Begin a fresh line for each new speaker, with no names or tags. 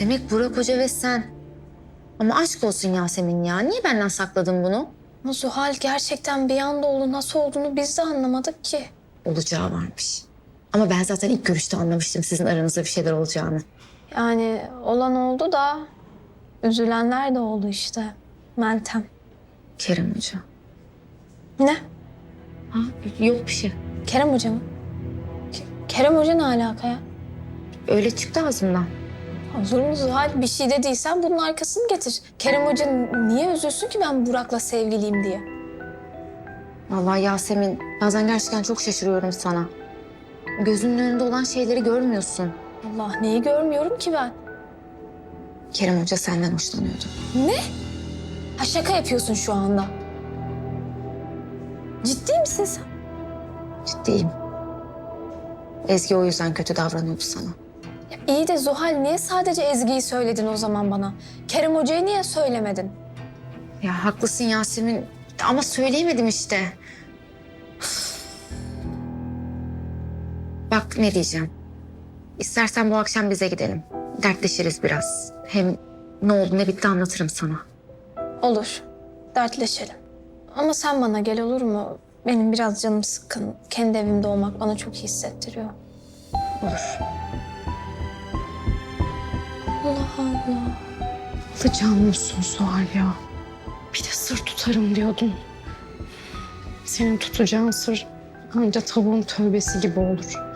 Demek Burak Hoca ve sen. Ama aşk olsun Yasemin ya. Niye benden sakladın bunu?
Ama Zuhal gerçekten bir anda oldu. Nasıl olduğunu biz de anlamadık ki.
Olacağı varmış. Ama ben zaten ilk görüşte anlamıştım sizin aranızda bir şeyler olacağını.
Yani olan oldu da üzülenler de oldu işte. Meltem.
Kerem Hoca.
Ne?
Ha, yok bir şey.
Kerem Hoca mı? Kerem Hoca ne alaka ya?
Öyle çıktı ağzımdan.
Olur mu Zuhal? Bir şey dediysen bunun arkasını getir. Kerem Hoca niye üzülsün ki ben Burak'la sevgiliyim diye?
Vallahi Yasemin, bazen gerçekten çok şaşırıyorum sana. Gözünün önünde olan şeyleri görmüyorsun.
Allah neyi görmüyorum ki ben?
Kerem Hoca senden hoşlanıyordu.
Ne? Ha şaka yapıyorsun şu anda. Ciddi misin sen?
Ciddiyim. Ezgi o yüzden kötü davranıyordu sana.
Ya iyi de Zuhal niye sadece Ezgi'yi söyledin o zaman bana? Kerem Hoca'yı niye söylemedin?
Ya haklısın Yasemin ama söyleyemedim işte. Bak ne diyeceğim. İstersen bu akşam bize gidelim. Dertleşiriz biraz. Hem ne oldu ne bitti anlatırım sana.
Olur. Dertleşelim. Ama sen bana gel olur mu? Benim biraz canım sıkkın. Kendi evimde olmak bana çok iyi hissettiriyor.
Olur.
Allah Allah.
Alacağın musun Suhal ya? Bir de sır tutarım diyordun. Senin tutacağın sır anca tavuğun tövbesi gibi olur.